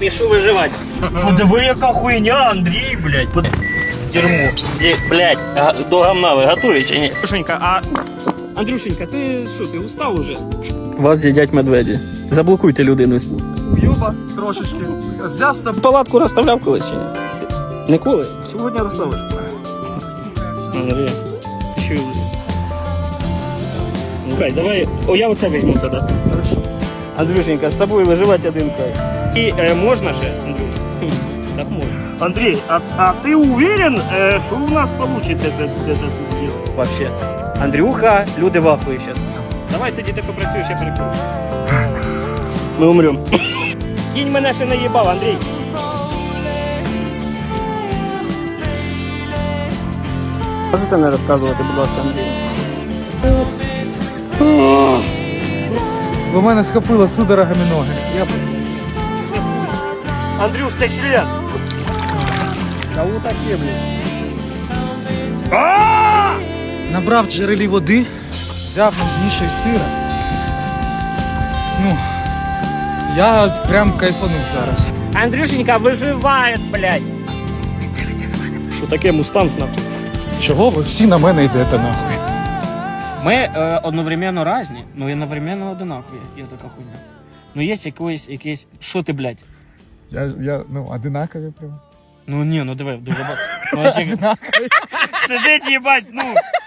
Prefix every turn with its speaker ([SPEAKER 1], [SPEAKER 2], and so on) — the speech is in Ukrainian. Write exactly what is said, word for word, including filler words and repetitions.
[SPEAKER 1] пишу виживати. Подиви, яка хуйня, Андрій, блядь. Под... Дерьмо. Ді, блядь, а, до гамна ви готові чи ні? Андрюшенька, а... Андрюшенька, ти що, ти устав уже? Вас з'їдять медведі. Заблокуйте людину.
[SPEAKER 2] Юба трошечки. Взяв з собою.
[SPEAKER 1] Палатку розставляв колись чи ні? Ніколи? Сьогодні розставиш. Андрій, що? Ну хай, давай, о, я оце візьму тоді.
[SPEAKER 2] Хорошо.
[SPEAKER 1] Андрюшенька, з тобою виживати один кайф. І е, можна ще, Андрюш? Так можна. Андрій, а, а ти уверен, е, що у нас вийде це, це тут зробити? Вообще. Андрюха, люди в ахуї зараз. Давай тоді ти попрацюєш, я перекрою. Ми умрем. Кінь мене ще не їбав, Андрій. Можете не розказувати, будь ласка, Андрій?
[SPEAKER 2] У мене схопило судорогами ноги. Я...
[SPEAKER 1] Андрюш, це член. Кого таке, блін?
[SPEAKER 2] Набрав в джерелі води, взяв, змішав сира. Ну, я прям кайфанув зараз.
[SPEAKER 1] Андрюшенька виживає, блядь. Дивіться на мене. Що таке мустанг, нахуй?
[SPEAKER 2] Чого ви всі на мене йдете нахуй?
[SPEAKER 1] Ми е, одновременно різні, ну і одновременно одинакові. Є така хуйня. Ну є якийсь, якийсь... Що ти, блядь?
[SPEAKER 2] Я, я, ну, одинакові прям.
[SPEAKER 1] Ну ні, ну диви, дуже багато. Ну, сидить, їбать, ну...